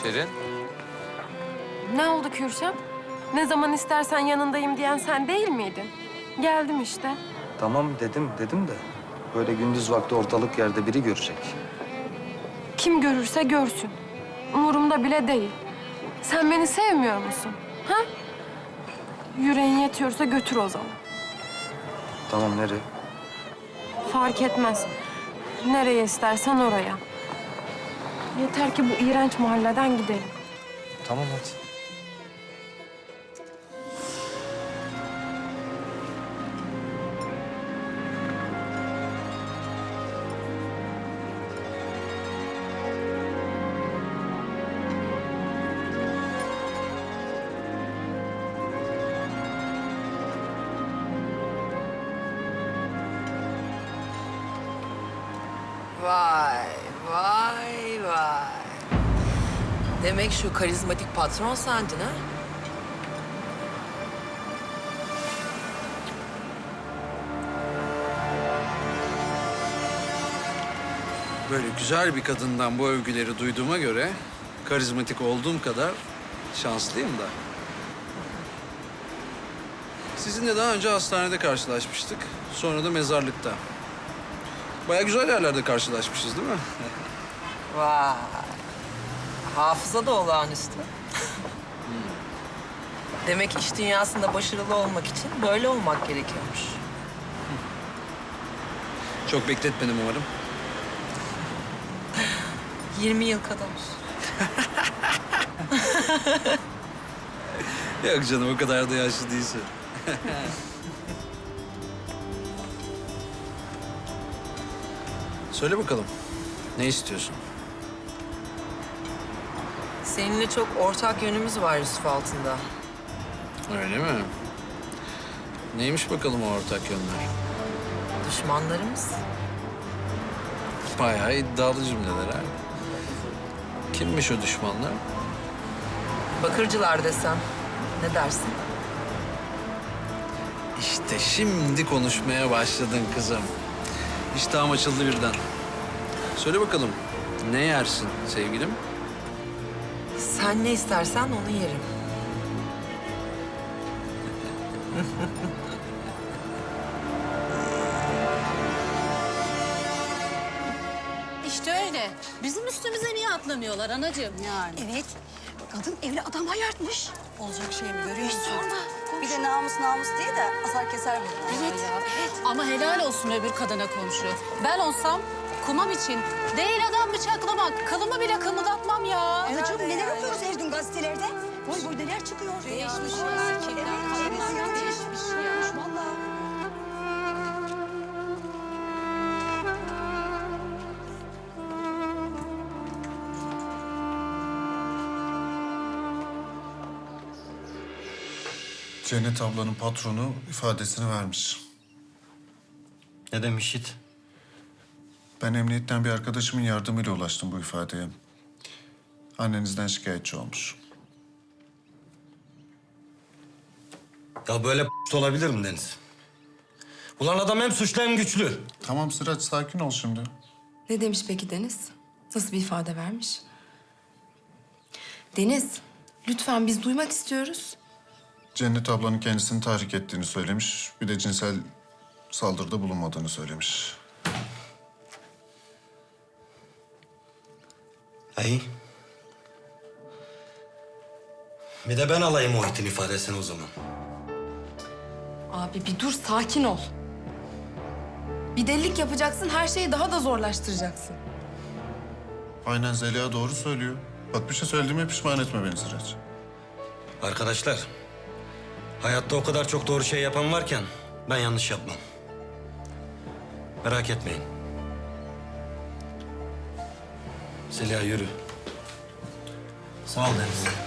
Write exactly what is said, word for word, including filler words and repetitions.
Şirin? Ne oldu Kürşat? Ne zaman istersen yanındayım diyen sen değil miydin? Geldim işte. Tamam dedim, dedim de böyle gündüz vakti ortalık yerde biri görecek. Kim görürse görsün. Umurumda bile değil. Sen beni sevmiyor musun? Ha? Yüreğin yetiyorsa götür o zaman. Tamam, nereye? Fark etmez. Nereye istersen oraya. Yeter ki bu iğrenç mahalleden gidelim. Tamam hadi. Vay, vay, vay. Demek şu karizmatik patron sendin ha? Böyle güzel bir kadından bu övgüleri duyduğuma göre karizmatik olduğum kadar şanslıyım da. Sizinle daha önce hastanede karşılaşmıştık. Sonra da mezarlıkta. Baya güzel yerlerde karşılaşmışız değil mi? Vay. Hafıza da olağanüstü. Demek iş dünyasında başarılı olmak için böyle olmak gerekiyormuş. Çok bekletmedim umarım. yirmi yıl kadar. Yok canım, o kadar da yaşlı değilsin. Söyle bakalım, ne istiyorsun? Seninle çok ortak yönümüz var Yusuf Altında. Öyle mi? Neymiş bakalım o ortak yönler? Düşmanlarımız. Bayağı iddialı cümleler ha. Kimmiş o düşmanlar? Bakırcılar desem ne dersin? İşte şimdi konuşmaya başladın kızım. İştahım açıldı birden. Söyle bakalım, ne yersin sevgilim? Sen ne istersen onu yerim. İşte öyle. Bizim üstümüze niye atlamıyorlar anacığım yani? Evet. Kadın evli adam ayartmış. Olacak şey mi görüyorsun? Sorma. Bir de namus namus diye de asar keser bunu. Evet. evet. Ama helal olsun öbür kadına komşu. Ben olsam kumam için değil adam bıçaklamak, kılımı bile kımıldatmam ya. Anacığım neler okuyoruz her gün gazetelerde? Boy boy neler çıkıyor. Değişmiş Aa, ya, erkekler, evet, kadınlar evet, evet. değişmiş ya. Vallahi. Cennet ablanın patronu ifadesini vermiş. Ne demiş Yiğit? Ben emniyetten bir arkadaşımın yardımıyla ulaştım bu ifadeye. Annenizden şikayetçi olmuş. Ya böyle p- olabilir mi Deniz? Ulan adam hem suçlu hem güçlü. Tamam Sıraç, sakin ol şimdi. Ne demiş peki Deniz? Nasıl bir ifade vermiş? Deniz, lütfen biz duymak istiyoruz. Cennet ablanın kendisini tahrik ettiğini söylemiş. Bir de cinsel saldırıda bulunmadığını söylemiş. İyi. Bir de ben alayım Muhit'in ifadesini o zaman. Abi bir dur, sakin ol. Bir delilik yapacaksın, her şeyi daha da zorlaştıracaksın. Aynen, Zeliha doğru söylüyor. Bak, bir şey söylediğime pişman etme beni Sıraç. Arkadaşlar, hayatta o kadar çok doğru şey yapan varken ben yanlış yapmam. Merak etmeyin. Zeliha yürü. Sağ ol Deniz.